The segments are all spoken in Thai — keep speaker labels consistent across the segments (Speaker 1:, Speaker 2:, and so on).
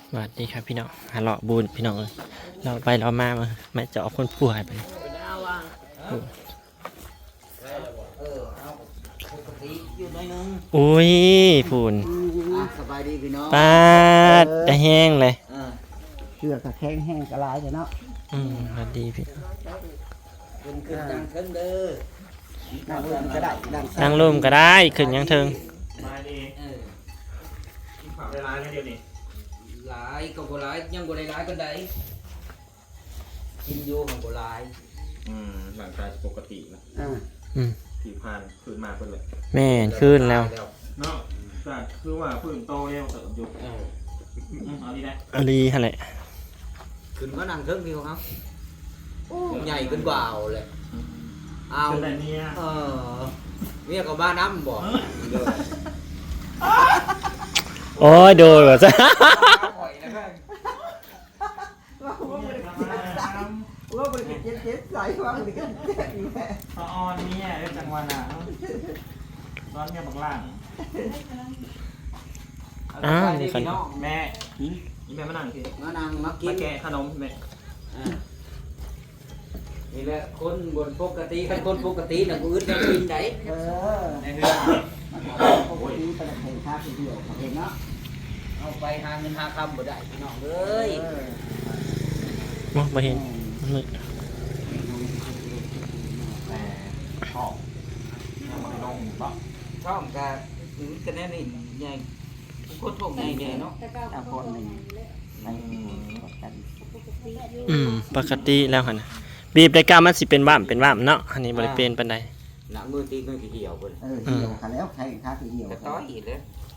Speaker 1: สวัสดีครับพี่น้องหาเลาะบูนพี่น้องเลยเราไปเรามาเจาะคนป่วยไปอุ้ยฝุ่น
Speaker 2: สบายดีพี่น้อง
Speaker 1: ปาดจะแห้งเลย
Speaker 2: เชือกกระแข้งแห้งกระลายเนาะ
Speaker 1: สวัสดีพี่
Speaker 2: ขึ้นดังเทิงเด้อนั่งร่มก็ได้
Speaker 1: นั่งร่มก็ได้ขึ้นยังเทิง
Speaker 3: มาดีกินผักได้ร้ายแค่เดียวนี่
Speaker 2: หลายก็บ่หลายยังบ่ได้หลายก็ได้กินอยู่ของบ่หลาย
Speaker 3: หลังกายปกตินะที่ผ่านคืนมาเป็นเลย
Speaker 1: แม่ขึ้นแล้ว
Speaker 3: เนาะแต่คือว่าพื้นโตเนี่ยเติมอยู่เอาดีนะ
Speaker 1: เอาดีฮะแหละ
Speaker 2: ขึ้นมานั่งเทิงพี่ครับใหญ่ขึ้นกว่าเลยเอาเมียก็มาน้ำบ่
Speaker 1: โอ้ยโดนว่ะจ้ะ
Speaker 2: ว่าบริกิตเจ็ดใส่ว่าบริกิตเจ็ดอีกแม่
Speaker 3: ตอนนี้เรื่องจังหวะน่ะตอนเนี่ยบักล่าง
Speaker 1: นี่ขนม
Speaker 3: แม่นี่แม่มานั่งสิ
Speaker 2: มานั่งมากิน
Speaker 3: แกะขนมแม่
Speaker 2: นี่แหละคนบนปกติคนปกติน่ะกูอึดจะกินได้ในเรื่องปกติเป็นเพลงท่าเดียวเห็นเนาะเอาไปหาเงินหาคำบ่ได้พี่น้องเอ้ย
Speaker 1: มองไปเห็นมืด
Speaker 3: แต่ช่องน้องปะ
Speaker 2: ช่องกับคะแนนนี่ใหญ่โคตรโถงใหญ่เนาะคนหนึ่ง
Speaker 1: ปกติแล้วฮะนะบีบได้กล้ามันสิเป็นว่ามเนาะอันนี้บริเป็นปันใด
Speaker 2: หนังมือตีมือเหี่ยวเหี่ยวขาแล้วใช่ขาเหี่ยวต้อยอีกเลย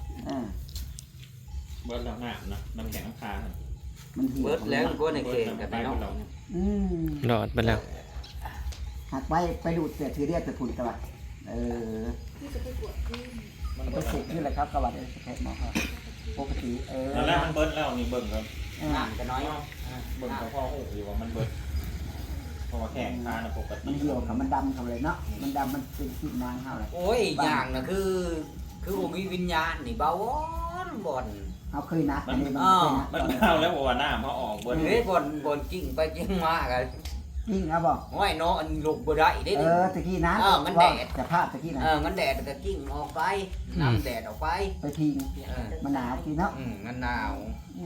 Speaker 3: เบิร์ดแล้วหน้านะน้ำแข็งน้ำคา
Speaker 2: มันเบิร์ดแล้วก็ในเกณฑ์กับไปน้อง
Speaker 1: หลอดไปแล้ว
Speaker 2: หักไปดูดเสียทีเรียกจะผุนกระบะมันไปสุกนี่แหละครับกระบะเอแค่หมอครับปกติ
Speaker 3: แล้วมันเบิร์ดแล้วนี่เบิร์ดครับ
Speaker 2: น้ำจะน้อย
Speaker 3: เบิร์ดเขาพ่อโอ้ยว่ามันเบิร์ดเพราะว่าแข็งคาปกติ
Speaker 2: มันเหี่ยวกับมันดำเขาเลยเนาะมันดำมันเป็นขีดนางเขาเลยโอ้ยอย่างน่ะคือผมมีวิญญาณนี่เบาบ่อนเอาเคยนัดอันนี้
Speaker 3: มันเข้าแล้วบอกว่าหน้ามาออก
Speaker 2: เบิร์ดเลยบ่อนจริงไปจริงมากันจริงครับบอกห้อยน้องอันลุกบ่ได้ได้ตะกี้นะมันแดดจะพลาดตะกี้นะมันแดดตะกิ้งออกไปน้ำแดดออกไปทิ้งมันหนาวทีเนาะมันหนาว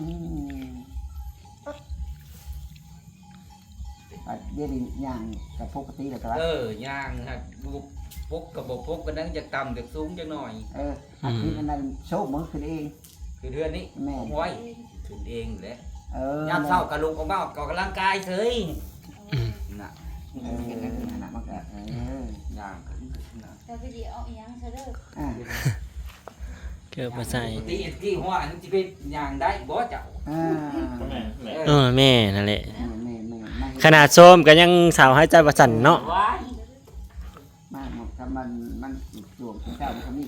Speaker 2: เดี๋ยวนี้ย่างกับปกติเลยครับย่างครับปกกับปกกันนั้นจะต่ำจะสูงจะหน่อยอาทิตย์นั้นโชว์มือขึ้นเองคือเดือนนี้แม่ห้อยขึ้นเองเลยยามเช้ากระลุกออกมาออกกำลังกายเฉยน่ะน่ะมันก็ย่าง
Speaker 4: แต่วิดีโอยังเธอเด้อ
Speaker 1: เกือบมาใส่
Speaker 2: ที่หัวอันนี้จะเป็นย่างได้บ่เจ้า
Speaker 1: แม่นั่นแหละขนาดส้มก็ยังสาวให้ใจประสันเนาะ
Speaker 2: มาหมดถ้ามันจวงเจ้ามันก็มี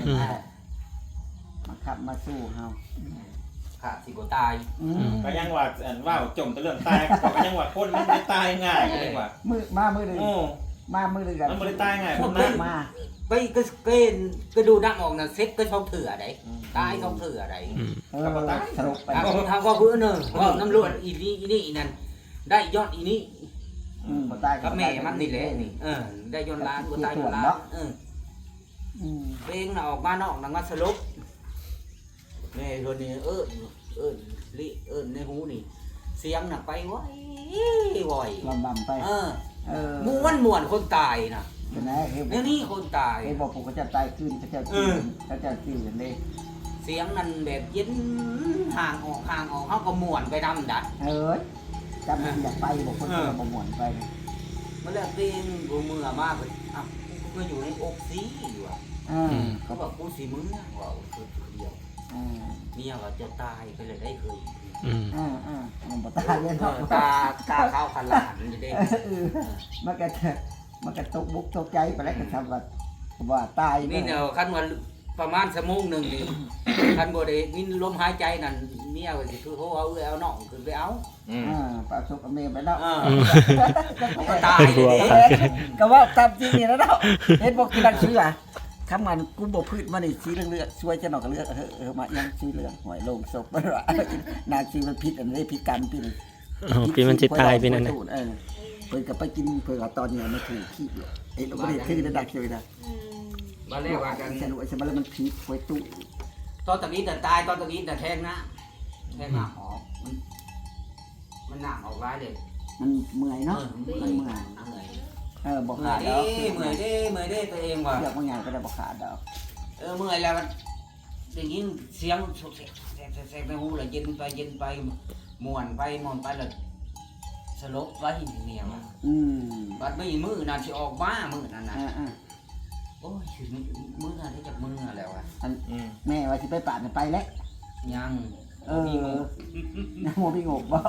Speaker 2: มาขับมาสู้เฮาขาดสิบ่ตาย
Speaker 3: ก็ยังว่าว่าจมแต่เรื่องตายก็ยังว่าคนมันไม่ตายง่ายก็ยังว่า
Speaker 2: มือนึงกัน
Speaker 3: มันไม่ตายง่าย
Speaker 2: คนมาไปก็ดูนักออกน่ะเซ็ตก็ช่องเถื่อได้ตายช่องเถื่อได้
Speaker 3: ก็ตาย
Speaker 2: สรุปไปทางว่าเพื่อนว่าน้ำรวดอีนี่นั่นได้ยอดอีนี่กับแม่มันนี่แหละนี่ได้ยอดล้านก็ตายยอดล้านเพลงน่ะออกมานอกนังมาสรุปแม่คนนี้ในหูนี่เสียงน่ะไปไว้บ่อยลำบำไปม้วนคนตายน่ะเนี่ยนี่คนตายไอ้บอกผมก็จะตายขึ้นเขาจะตื่นเลยเสียงนั่นแบบเย็นห่างออกเขาก็ม้วนไปดำดัดจำอยากไปบอกคนเราบ่ม้วนไปมันเลือกเพลงกูมือมากเลยกูอยู่ในอกซีอยู่เขาบอกกูสีมือว่าคือเดียวเมียก็จะตายไปเลยได้เคยมันตายเลยตาเข้าขลาดมันจะได้มันก็ตกบุกตกใจไปแล้วก็ทำว่าตายนี่เนาะขั้นวันประมาณชั่วโมงหนึ่งดิขั้นบ่ได้มีลมหายใจนั่นเมียก็สิคือเขาเอาน้องขึ้นไปเอาปลาสุกเมียไปแล้วก็ตายก็ว่าตามจริงนี่แล้วเนาะเห็นบอกกินดังเชื่อ
Speaker 5: คำมันกูบ่พืชมานี่สีเหลืองๆช่วยจะนอกก็เลือกมายังสีเหลืองหอยลงศพบ่ว่านาสีมันพิษอันนี้พิษกรรมปีนึง
Speaker 1: อ๋อปีมันสิตายปีนั้นน่ะ
Speaker 5: เพิ่นก็ไปกินเพิ่นก็ตอนนี้มันถูกขี้ไอ้เราบ่ได้คือได้ดักเฉยนะ
Speaker 2: มาเรียกว่ากัน
Speaker 5: สนุกใช่มั้ยแล้วมันพิษไว้ตู้
Speaker 2: ตอนตะกี้แต่ตายตอนตะกี้แต่แทงนะแทงหน้าออกมันหนักออกร้ายเลย
Speaker 5: มันเมื่อยเนาะมันเมื่อย
Speaker 2: เหนื่อย
Speaker 5: บ่
Speaker 2: เมื่
Speaker 5: ขา
Speaker 2: อ
Speaker 5: ด
Speaker 2: ย
Speaker 5: ดอก
Speaker 2: เมื่อยเมื่อยตัวเองว่ะ
Speaker 5: เลือกบางอย่างก็ได้บ่ขาดดอก
Speaker 2: เมื่อยแล้วมันได้ยินเสียงแสกในหูเลยเย็นไปม่วนไปแล้วสลบไว้เนี่ยว่ะบัดไม่มือนั่นสิออกมามือนั่นน่ะโอ้ยมือนั่นได้จากมือแล้วอ่ะ
Speaker 5: แม่ว่าสิไปปาดไปแล้ว
Speaker 2: ยัง
Speaker 5: มีงบนะโมมีงบบ่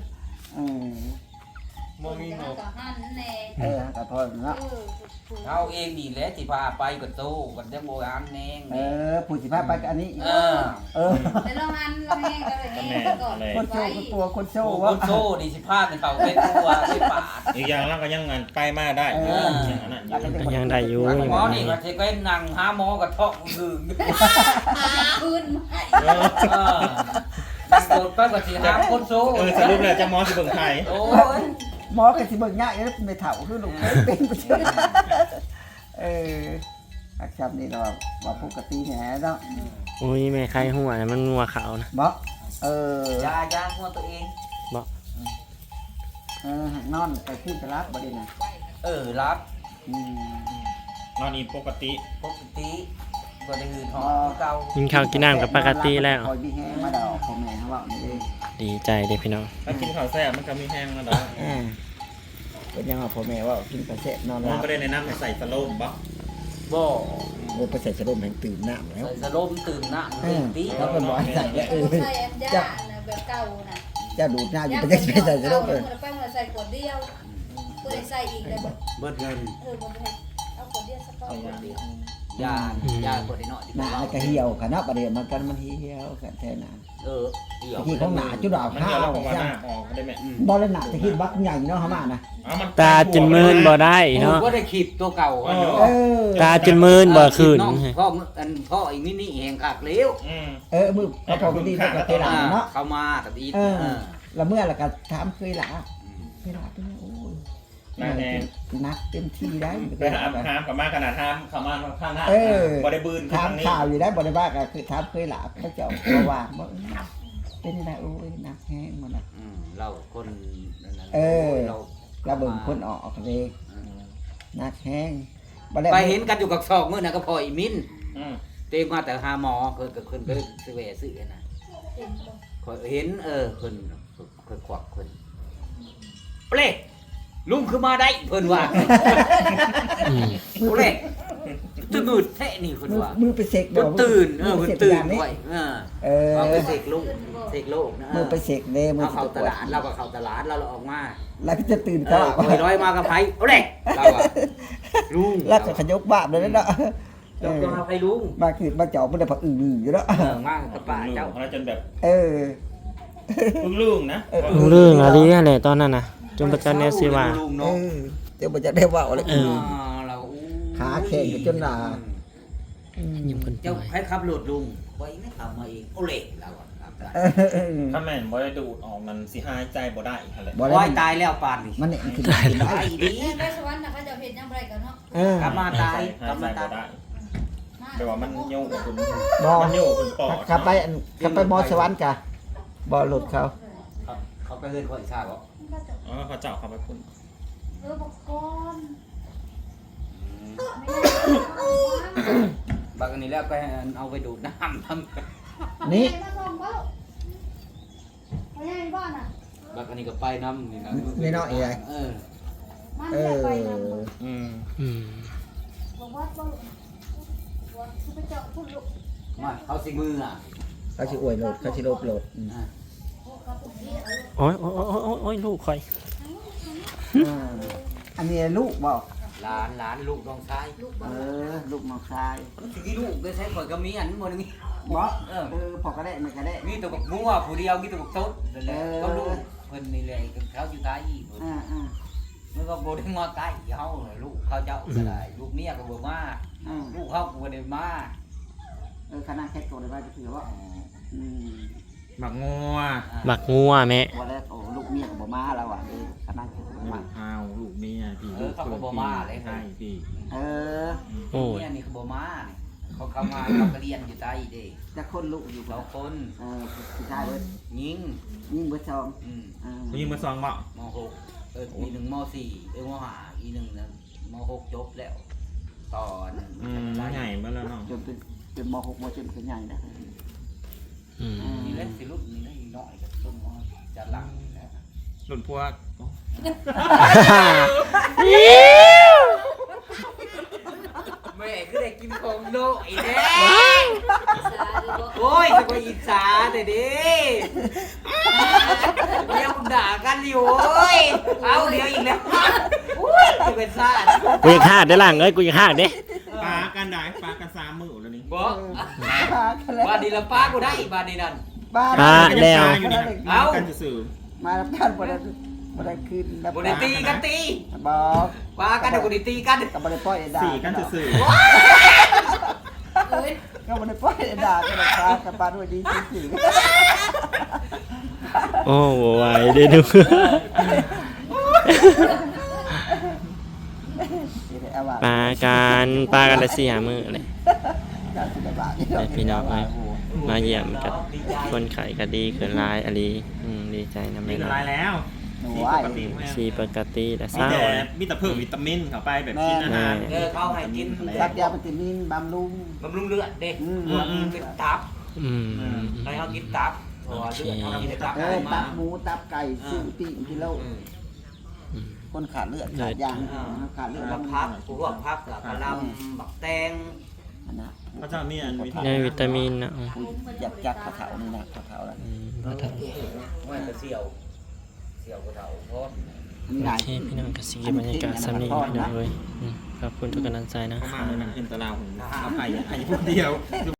Speaker 3: บ่มีงบ
Speaker 4: ก็หันแน่
Speaker 5: ก็พอเนาะ
Speaker 2: เอาเองนี่แหละที่พาไปกับโตกับจังโบราณแนง
Speaker 5: ผู้สิพาไปกับอันนี้
Speaker 4: แต่เราหันเราแห้งก็เลยแห้งก่อน
Speaker 5: คนโชว์คนตัวคนโชว์
Speaker 2: ค
Speaker 5: ว่าน
Speaker 2: โซ่ดิสิพาเป็นเขาเป็นตัวเป็นปาด
Speaker 3: อีกอย่างเราก็ยังงานไปมาได้อย่างนั้นอยู่
Speaker 1: ก็ยังได้อยู่
Speaker 2: หมอนี่มาเทก็นั่งหาหมอกับท้องดึง
Speaker 4: คืน
Speaker 2: ดังโดดไปกับสิหาคนโซ่
Speaker 3: สรุปแล้วจะมอสิเบิ่งไทย
Speaker 2: โอ้ย
Speaker 5: หมอก็สิเบิ่งยากไม่เฒ่าคือลูกเป็นบ่เชื่ออักษรนี่เราว่าปกติแหน่เนาะ
Speaker 1: โอ้ยแม่ใครหัวมันงัวขาวนะ
Speaker 5: บ่
Speaker 2: ยาหัวตัวเอง
Speaker 5: นอนไปขึ้นตลาดบ่ได้นะ
Speaker 2: รับ
Speaker 3: นอนอีปกติ
Speaker 2: ปกติบ่ได้หืดหอมเก่า
Speaker 1: กินข้าวกินน้ำกับปกติแล้ว
Speaker 5: คอยมีแฮงมาดอกพ่อแม่เฮาเว้านี่เอง
Speaker 1: ดีใจเด้พี่น้อง
Speaker 3: ถ้ากินข้าวแซ่บมันก็มีแห้งมาแล้ว
Speaker 5: เป็นยังว่าพ่อแม่ว่ากินกระเสะนอนห
Speaker 3: มั
Speaker 5: ลั
Speaker 3: น
Speaker 5: บ
Speaker 3: ก็ได้ในน้ำใส่สโลมบ่
Speaker 2: บ่
Speaker 5: ไปใส่สะดมแห่งตื่นน้ำแล้ว
Speaker 2: ใส่สลมตื่นน้ำตื่นตี
Speaker 5: แล้วเป็นบ่อยใส่แล้ว
Speaker 4: ใส่อันยาแบบเก่าน่ะ
Speaker 5: จะดูดหน้าอยู่ไปจะใส่สะดมเลย
Speaker 4: ไปมาใส่ขวดเดียวเพื่อใส่อีกเลยบ่
Speaker 2: เบิดเงิน
Speaker 4: บ่ได้เอาขวดเดียวสักก้อนขวดเดียวย
Speaker 2: าเบิดได้น้อย
Speaker 5: หน้าก็เหี่ยวค่ะเนาะประเดี๋ยวมันกันมันเหี่ยวกันแท้น่ะ
Speaker 2: เดี๋ยว
Speaker 5: ที่ของหนาจุดดอก
Speaker 3: มัน
Speaker 5: ข้า
Speaker 3: เดี๋ยว
Speaker 5: ว
Speaker 3: เราบอกว่าห
Speaker 5: ใช่
Speaker 3: น้าออกได้ไหม
Speaker 5: บ่เลยหนาจะคิดบักใหญ่เนาะเฮามานะ
Speaker 1: ตาจนมืนบ่ได้เนาะ
Speaker 2: ก็ได้ขีดตัวเก่า
Speaker 1: ตาจนมืนบ่คืน
Speaker 2: พ่ออีกนี่แหงขากเลี้ยว
Speaker 5: มือพอดีก็ไปหลาเนาะ
Speaker 2: เข้ามากับอี
Speaker 5: แล้วเมื่อแล้วก็ถามเคยหลาเคยหลาเป็นโอ้ย
Speaker 3: หน้าแดง
Speaker 5: นักเต็มที่ได้
Speaker 3: ไปหามกับมาขนาดหามเข้ามาข้างหน้าบ่ได้บืน
Speaker 5: ถาม
Speaker 3: นี้
Speaker 5: ข่าวอยู่ได้บ่ได้ว่าก็คือถามเคยหลาเขาเจ้าว่าบ่เป็นยังไงโอ้ยนักแห้งมันน่ะ
Speaker 2: เราคน
Speaker 5: เราเบิ่งคนออกเลยนักแห้ง
Speaker 2: ไปเห็นกันอยู่กับซอกมื้อน่ะก็พออีมินเต็มมาแต่หาหมอเพิ่นไปซื้อแหวซื้อน่ะเห็นเพิ่นควักเพิ่นเปลลุงคือมาได้เพิ่นว่าเปลตื่นแท้นี่เพิ่นว่า
Speaker 5: มือไปเสก
Speaker 2: เพิ่นตื่นเพิ่นตื่นไว้เอาไปเสกลูกเสกโลกนะ
Speaker 5: มือไปเสกเด้มือ
Speaker 2: เข้าตลาดเราก็เข้าตลาดเราออกมา
Speaker 5: แล้วก็จะตื่น
Speaker 2: ก็
Speaker 5: ก็
Speaker 2: ร้อยมากับไผเอาเลยเราอะลุง
Speaker 5: แล้วก็ขยกบาปเลยเนาะ
Speaker 2: จบมาไผลุง
Speaker 5: มาคือมาเจาะมันได้ผักอื่นอยู่แล้ว
Speaker 2: มากับป้าเจ้า
Speaker 3: เราจนแบบ
Speaker 5: เออ
Speaker 3: พึ่งลุงนะ
Speaker 1: เรื่องอะไรแหละตอนนั้นน่ะจนประจันเนี่ยสิว่า
Speaker 2: ลุง
Speaker 5: เอ
Speaker 2: เนาะ
Speaker 5: อเดี๋ยวมันจะได้ว่าอะไร
Speaker 2: เรา
Speaker 5: ขาแข็งจนหนา
Speaker 1: ยิ้มคน
Speaker 2: เจ้าให้ขับรถลุงไว้ไม่ขับมาเองเอาเลยเราอะครับ
Speaker 3: ถ้าแม่นบ่ได้ดูดออกมันสิหายใจบ่ได้อะไร
Speaker 5: บ่
Speaker 2: ไว้
Speaker 5: ได้
Speaker 2: ตายแล้วปานนี่
Speaker 5: มันเนี่ยคือ
Speaker 2: ตายดี
Speaker 4: ไปสวรรค์น่ะเขาจะเฮ็ดยังไงกันเนาะ
Speaker 2: กลับมาตาย
Speaker 3: หายใจบ่ได้แปลว่ามันโยกคุณ
Speaker 5: บ่
Speaker 3: มันโยกคุณปอด
Speaker 5: ขับไปมอสวรรค์กะบ่หลุดเขา
Speaker 2: เขาไปเฮือนคนชาติบ่
Speaker 3: เขาเจาะเข้าไปคุณ
Speaker 4: บอกก่อน
Speaker 2: บางอันนี้แล้วก็เอาไปดูดน้ำทำ
Speaker 5: นี่
Speaker 4: มาส่งเบ้าไปให้บ้านน่ะ
Speaker 2: บางอันนี้ก็ไปน้ำนี่นะ
Speaker 5: นี่เนาะไอ้
Speaker 4: มันจะไปนำ บอกว่าบ่ว่าคือไปเจาะพุ่นลูก
Speaker 2: มาเขาสิมืออ่ะ
Speaker 5: เขาสิอวยโหลดเขาสิลบโหลด
Speaker 4: โอ้ครับผมนี่เอา
Speaker 1: โอ้ยโอ้ยโอ้ยลูกข่อย
Speaker 5: อันนี้ลูกบ่
Speaker 2: หลานลูกน้องชาย
Speaker 4: ลูกบ่
Speaker 5: ลูกน้องชาย
Speaker 2: ที่ลูกได้ใช้ข่อยก็มีอันหมดนี่
Speaker 5: บ่พอก็ได้มันก็ได้
Speaker 2: มีตัวบักมัวผู้เดียวมีตัวบักต้นนั่นแหละก็ลูกเพิ่นนี่แหละเขาอยู่ตายอีกมันก็บ่ได้มาใกล้เฮาเลยลูกเขาเจ้าก็ได้ลูกเมียก็บ่มาลูกเขาก็บ่ได้มา
Speaker 5: คณะแค่ตัวได้ว่าจะคือว่า
Speaker 3: หมักงัว
Speaker 1: หมักงัวแม่
Speaker 5: วันแรกโอ้ลูกเมียกับบ่มาแล้วอ่ะคณะมา
Speaker 3: อ้าวลูกเมียพี่ลูกใช่พี่
Speaker 1: โอ้ย
Speaker 2: เมียนี่ก็บ่มานี่เขาเข้ามาเขาก็เรียนอยู่ใต้เด้
Speaker 5: จะคนลูกอยู่
Speaker 2: เราคน
Speaker 5: ผู้ชายเบิด
Speaker 2: ยิง
Speaker 5: ยิ่งเบิดชอง
Speaker 3: ผู้หญิงมาซองบ่
Speaker 2: ม.6 ปีหนึ่งม.4ม.5อีหนึ่งนั้นม.6 จบแล้วตอน
Speaker 3: ใหญ่มาแล้วเนาะ
Speaker 5: จนเป็นม.6 ม.7เป็นใหญ่นะ
Speaker 2: นี่เล่นสิรุ่นนี่อีกน้อยก็ต้นมจะหลังนะ
Speaker 3: หลุดพวก
Speaker 2: แม่ก็ได้กินของโดอีเด้โอ้ยจะไปอิจฉาแต่เด้เดี๋ยวมึงด่ากันอยู่โอ้ยเอาเดี๋ยวอีกแล้วโอ้ยจะเป็นซ่า
Speaker 1: กูอยากฆ่าได้ล่างเอ้ยกูอยากฆ่าเด้
Speaker 3: ปลากันได้ปลากัน3 มื้อแล้วนี่
Speaker 2: บอกบาดีละป้ากูได้อีกบาดีนั่น
Speaker 1: แล้ว
Speaker 3: เอากันสื่อ
Speaker 5: มารับการบ่ได้คืน
Speaker 2: บได้ตีกันตี
Speaker 5: บอก
Speaker 2: ป้ากันเดี๋ยวกูได้ตีกัน
Speaker 5: ก็บ่ได้ปล่อยด่า
Speaker 3: 4กันสื่อ
Speaker 5: ก็บ่ได้ปล่อยด่ากันปลากับปลาด้วยดีซื่อ
Speaker 1: โอ้โหไหวเด้อดู ปลากันได้4-5 มื้อเลยพี่น้องเอ้ยมาเยี่ยมกับคนไข้ก็ดีขึ้นหลายอะลีดีใจนำ
Speaker 3: มี
Speaker 1: แม่
Speaker 3: ละลายแล้วปกติ
Speaker 1: ชีปกติแต่
Speaker 3: มี
Speaker 1: เศร้า
Speaker 3: แต่เพิ่มวิตามินเข้าไปแบบกินอาหาร
Speaker 2: เขาให้กิน
Speaker 5: รักยาวิตามินบำรุง
Speaker 2: บำรุงเลือดเด็กเป็นตับให้เขากินตับเพราะว่าเลือดเขากินตับ
Speaker 5: ตั
Speaker 2: มา
Speaker 5: บหมูตับไก่ซึ่งปีกิโลคนขาดเลือดขาดยางขาดเลือด
Speaker 2: บักพักพวกพักกับกระลำบักแตง
Speaker 5: นะ
Speaker 3: เขาจะมีอันวิธี
Speaker 1: ได้วิตามินนะ
Speaker 5: อยากจักกระเถานี่นะกระเถาแล้ว
Speaker 2: ไม่จะเสี่ยวกระเถาเพราะ
Speaker 5: มีห
Speaker 1: โอ
Speaker 5: ลาย
Speaker 1: เคพี่น้องก็สิบรรยากาศสำนีพี่น้องเลยขอบคุณทุกกำลังใจนะ
Speaker 3: เข้า
Speaker 1: ค
Speaker 3: มา
Speaker 1: รับ
Speaker 3: เลยนะเอ็นตะลาวของเอาไผ่พูดเดียว